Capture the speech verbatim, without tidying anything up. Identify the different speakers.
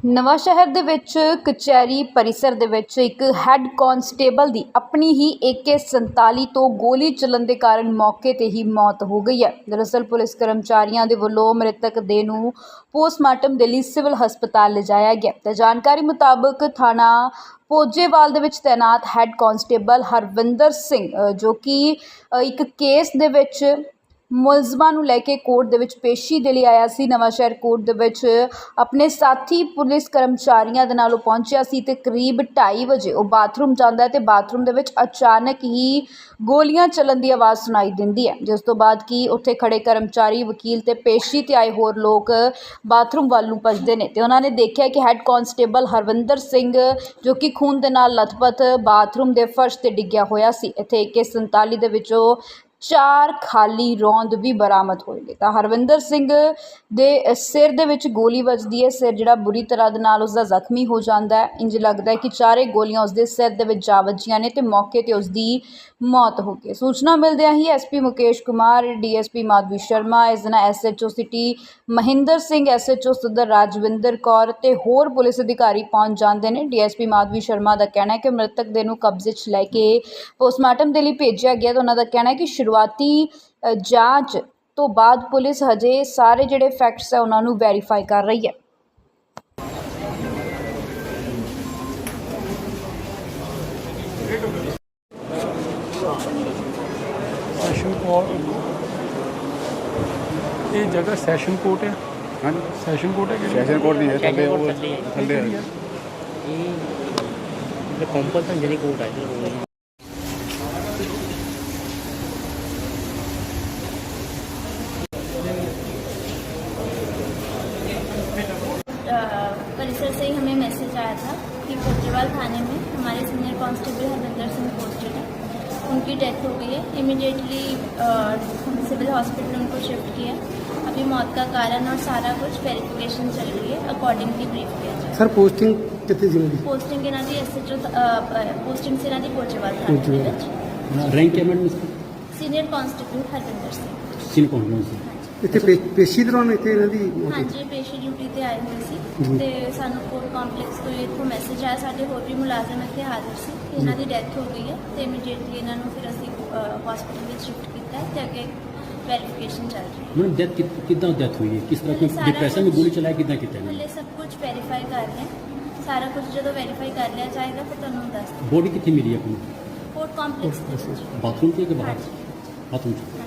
Speaker 1: ਨਵਾਂ ਸ਼ਹਿਰ ਦੇ ਵਿੱਚ ਕਚਹਿਰੀ परिसर ਦੇ ਵਿੱਚ ਇੱਕ ਹੈੱਡ ਕਾਂਸਟੇਬਲ ਦੀ ਆਪਣੀ ਹੀ ए के सैंतालीस ਤੋਂ ਗੋਲੀ ਚੱਲਣ ਦੇ ਕਾਰਨ ਮੌਕੇ ਤੇ ਹੀ ਮੌਤ ਹੋ ਗਈ ਹੈ। ਦਰਅਸਲ ਪੁਲਿਸ ਕਰਮਚਾਰੀਆਂ ਦੇ ਵੱਲੋਂ ਮ੍ਰਿਤਕ ਦੇਹ ਨੂੰ ਪੋਸਟਮਾਰਟਮ ਦੇ ਲਈ ਸਿਵਲ ਹਸਪਤਾਲ ਲਿਜਾਇਆ ਗਿਆ ਤੇ ਜਾਣਕਾਰੀ ਮੁਤਾਬਕ ਥਾਣਾ ਪੋਜੇਵਾਲ ਦੇ ਵਿੱਚ ਤੈਨਾਤ ਹੈੱਡ ਕਾਂਸਟੇਬਲ ਹਰਵਿੰਦਰ ਸਿੰਘ ਜੋ ਕਿ ਇੱਕ ਕੇਸ ਦੇ ਵਿੱਚ ਮੁਲਜ਼ਮਾਂ ਨੂੰ ਲੈ ਕੇ ਕੋਰਟ ਦੇ ਵਿੱਚ ਪੇਸ਼ੀ ਦੇ ਲਈ ਆਇਆ ਸੀ। ਨਵਾਂ ਸ਼ਹਿਰ ਕੋਰਟ ਦੇ ਵਿੱਚ ਆਪਣੇ ਸਾਥੀ ਪੁਲਿਸ ਕਰਮਚਾਰੀਆਂ ਦੇ ਨਾਲ ਉਹ ਪਹੁੰਚਿਆ ਸੀ ਤੇ ਕਰੀਬ ਢਾਈ ਵਜੇ ਉਹ ਬਾਥਰੂਮ ਜਾਂਦਾ ਹੈ ਤੇ ਬਾਥਰੂਮ ਦੇ ਵਿੱਚ ਅਚਾਨਕ ਹੀ ਗੋਲੀਆਂ ਚੱਲਣ ਦੀ ਆਵਾਜ਼ ਸੁਣਾਈ ਦਿੰਦੀ ਹੈ, ਜਿਸ ਤੋਂ ਬਾਅਦ ਕਿ ਉੱਥੇ ਖੜੇ ਕਰਮਚਾਰੀ, ਵਕੀਲ ਤੇ ਪੇਸ਼ੀ ਤੇ ਆਏ ਹੋਰ ਲੋਕ ਬਾਥਰੂਮ ਵੱਲ ਨੂੰ ਭੱਜਦੇ ਨੇ ਤੇ ਉਹਨਾਂ ਨੇ ਦੇਖਿਆ ਕਿ ਹੈੱਡ ਕਾਂਸਟੇਬਲ ਹਰਵਿੰਦਰ ਸਿੰਘ ਜੋ ਕਿ ਖੂਨ ਦੇ ਨਾਲ ਲਥਪਥ ਬਾਥਰੂਮ ਦੇ ਫਰਸ਼ ਤੇ ਡਿੱਗਿਆ ਹੋਇਆ ਸੀ। ਇੱਥੇ ए के सैंतालीस ਦੇ ਵਿੱਚੋਂ ਚਾਰ ਖਾਲੀ ਰੌਂਦ ਵੀ ਬਰਾਮਦ ਹੋਏ ਨੇ ਤਾਂ ਹਰਵਿੰਦਰ ਸਿੰਘ ਦੇ ਸਿਰ ਦੇ ਵਿੱਚ ਗੋਲੀ ਵੱਜਦੀ ਹੈ। ਸਿਰ ਜਿਹੜਾ ਬੁਰੀ ਤਰ੍ਹਾਂ ਦੇ ਨਾਲ ਉਸਦਾ ਜ਼ਖਮੀ ਹੋ ਜਾਂਦਾ ਹੈ। ਇੰਜ ਲੱਗਦਾ ਹੈ ਕਿ ਚਾਰੇ ਗੋਲੀਆਂ ਉਸਦੇ ਸਿਰ ਦੇ ਵਿੱਚ ਜਾ ਵੱਜੀਆਂ ਨੇ ਤੇ ਮੌਕੇ ਤੇ ਉਸਦੀ ਮੌਤ ਹੋ ਗਈ। ਸੂਚਨਾ ਮਿਲਦਿਆਂ ਹੀ S P Mukesh Kumar, D S P Madhavi Sharma, ਇਸ ਦਿਨ S H O city Mahinder Singh, S H O ਸਦਰ ਰਾਜਵਿੰਦਰ ਕੌਰ ਤੇ ਹੋਰ ਪੁਲਿਸ ਅਧਿਕਾਰੀ ਪਹੁੰਚ ਜਾਂਦੇ ਨੇ। D S P Madhavi Sharma ਦਾ ਕਹਿਣਾ ਹੈ ਕਿ ਮ੍ਰਿਤਕ ਦੇ ਨੂੰ ਕਬਜ਼ੇ 'ਚ ਲੈ ਕੇ ਪੋਸਟਮਾਰਟਮ ਦੇ ਲਈ ਭੇਜਿਆ ਗਿਆ ਤਾਂ ਉਹਨਾਂ ਦਾ ਕਹਿਣਾ ਹੈ ਕਿ ਸ਼ੁਰੂਆਤੀ ਜਾਂਚ ਤੋਂ ਬਾਅਦ ਪੁਲਿਸ ਹਜੇ ਸਾਰੇ ਜਿਹੜੇ ਫੈਕਟਸ ਹੈ ਉਹਨਾਂ ਨੂੰ ਵੈਰੀਫਾਈ ਕਰ ਰਹੀ ਹੈ।
Speaker 2: ਸੈਸ਼ਨ ਕੋਰਟ ਇਹ ਜਗ੍ਹਾ ਸੈਸ਼ਨ ਕੋਰਟ ਹੈ।
Speaker 3: हाँ
Speaker 2: ਸੈਸ਼ਨ ਕੋਰਟ है कि
Speaker 3: सेशन कोर्ट नहीं है, थल्ले वो थल्ले है।
Speaker 4: ये कॉम्पल्सन जनी कोर्ट है।
Speaker 5: परिसर से ही हमें मैसेज आया था कि कोतवाल थाने में हमारे senior constable Harvinder Singh posted है, उनकी डेथ हो गई है। इमिडिएटली हम सिविल हॉस्पिटल उनको शिफ्ट किया। अभी मौत का कारण और सारा कुछ वेरिफिकेशन चल रही है, अकॉर्डिंगली ब्रीफ किया जाए।
Speaker 6: सर पोस्टिंग कितनी सी होगी?
Speaker 5: पोस्टिंग इन्हों की एस एच ओ पोस्टिंग से इन्हों की पोचेवाल थाने में
Speaker 4: रैंक है madam
Speaker 5: senior constable Harvinder Singh
Speaker 4: सीन कौन कौन सी
Speaker 6: ਇੱਥੇ ਪੇ- ਪੇਸ਼ੀ ਦੌਰਾਨ ਇੱਥੇ ਇਹਨਾਂ ਦੀ ਮੌਤ ਹੋਈ।
Speaker 5: ਹਾਂਜੀ ਪੇਸ਼ੀ ਡਿਊਟੀ ਤੇ ਆਏ ਹੋਏ ਸੀ ਤੇ ਸਾਨੂੰ ਕੋਰਟ ਕੰਪਲੈਕਸ ਤੋਂ ਇੱਥੋਂ ਮੈਸੇਜ ਆਇਆ, ਸਾਡੇ ਹੋਰ ਵੀ ਮੁਲਾਜ਼ਮ ਇੱਥੇ ਹਾਜ਼ਰ ਸੀ ਕਿ ਇਹਨਾਂ ਦੀ ਡੈਥ ਹੋ ਗਈ ਹੈ ਤੇ ਇਮੀਡੀਏਟਲੀ ਇਹਨਾਂ ਨੂੰ ਫਿਰ ਅਸੀਂ ਹਸਪੀਟਲ ਵਿੱਚ ਸ਼ਿਫਟ ਕੀਤਾ ਹੈ ਤੇ ਅੱਗੇ ਵੈਰੀਫਿਕੇਸ਼ਨ ਚੱਲ ਰਹੀ ਹੈ।
Speaker 4: मैडम डेथ कितना डेथ हुई है, किस तरह कोई
Speaker 5: सारा
Speaker 4: डिप्रेशन में
Speaker 5: कुछ-
Speaker 4: गोली चलाया कितना कितना
Speaker 5: ਹਲੇ सਭ कुछ वेरीफाई कर रहे हैं। सारा कुछ ਜਦੋਂ ਵੈਰੀਫਾਈ ਕਰ ਲਿਆ ਜਾਏਗਾ ਫਿਰ ਤੁਹਾਨੂੰ ਦੱਸ
Speaker 4: बॉडी कितनी मिली है अपनी
Speaker 5: कोर्ट कॉम्प्लेक्स
Speaker 4: बाथरूम से कि बाहर
Speaker 5: हाँ
Speaker 4: बाथरूम से